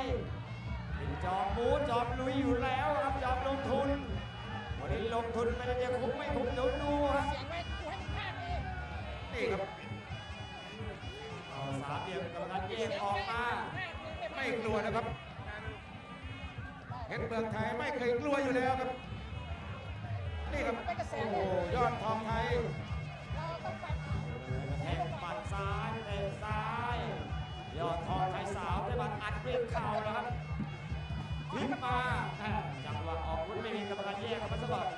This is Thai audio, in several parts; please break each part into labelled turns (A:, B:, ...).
A: เป็นจอมบูจอมลุยอยู่แล้วครับจอมลงทุนวันนี้ลงทุนไม่ได้จะคุ้มไม่คุ้มเดี๋ยวดูครับนี่ครับสามเหลี่ยมกำลังแยกออกมาไม่กลัวนะครับเพชรเมืองไทยไม่เคยกลัวอยู่แล้วครับนี่ครับโอ้ยอดทองไทยแทงหมัดซ้ายเตะซ้ายยอดทองไทยสาวได้บัตรอัดด้วยเข่าแล้วครับพลิกมาจังหวะออกรุ่นไม่มีกรรมการแยกครับพัสดุ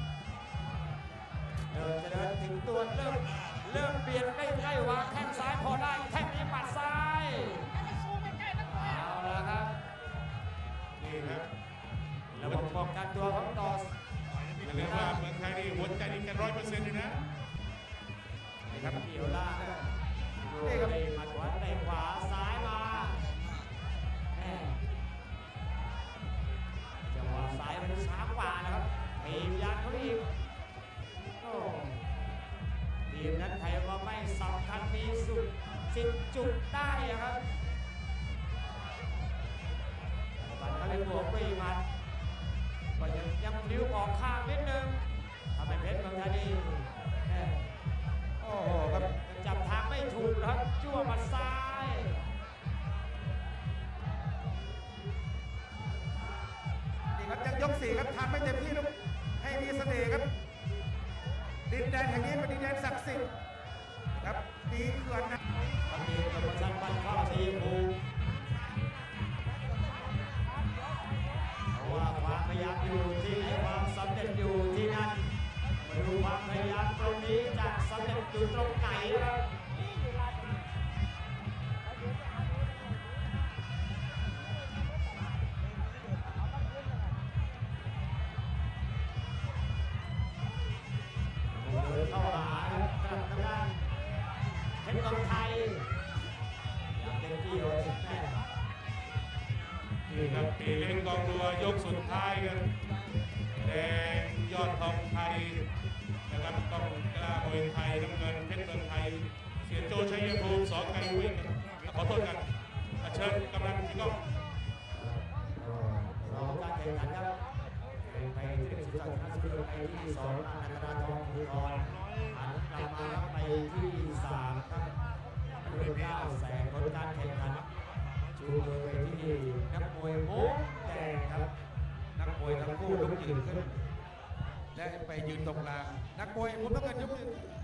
A: จะเดินถึงตัวเริ่มเปลี่ยนใกล้ๆวางแข้งซ้ายพอได้แข้งนี้ปัดซ้ายเอาละครับนี่ครับระบบป้องกันตัวของต่อ
B: อย่าลืมว่าเมืองไทยนี่หัวใจนี่กัน100%เลยนะ
A: นี่ครับเกี่ยวล่างนี่ครับมาขวาเตะขวาซ้ายมาจังหวะซ้ายมันช้ากว่านะครับทีมยันเขาอีกทีมนั้นใครว่าไม่สำคัญมีสุด10 จุดได้ครับบัตรเขาเลยบวกไปมันก็ยังนิ้วออกข้างนิดนึงทำให้เพชรเมืองไทยนี่โอ้โหครับจับทางไม่ถูกครับจั่วมาซ้าย
C: นี่ครับยังยก4ครับทำไม่เต็มที่ลูกให้มีเสน่ห์ครับดินแดนแห่งนี้เป็นดินแดนศักดิ์สิทธิ์ครับดีเขื่อนนะ
A: วันนี้โปรโมชั่นบัตรเข้าทีมภูเพราะว่าความพยายามอยู่ที่ไหนความสำเร็จอยู่ที่นั่นมาดูความพยายามตรงนี้จะสำเร็จอยู่ตรงไหนครับเข้าหากลับทางด้านเพชรเมืองไทยอย่างเต็มที่เลยแม่
B: นี่ครับปีเล่นกองรัวยกสุดท้ายกันแดงยอดทองไทยนะครับต้องกล้ามวยไทยน้ำเงินเพชรเมืองไทยเสียโจชัยภูมิสองไก่วิ่งขอโทษกันเชิญกำลังที่กล้อง
A: รอการแข่งขันครับไปที่สุดท้ายนักศึกษาไปที่2อนันตนาทองภูธรหันกลับมาไปที่3ครับด้วย9 แสนผลการแข่งขันชูมือไปที่นักมวยมุกแดงครับนักมวยทั้งคู่ลุกยืนขึ้น
C: และไปยืนตรงกลางนักมวยมุมน้ำเงินยกมือ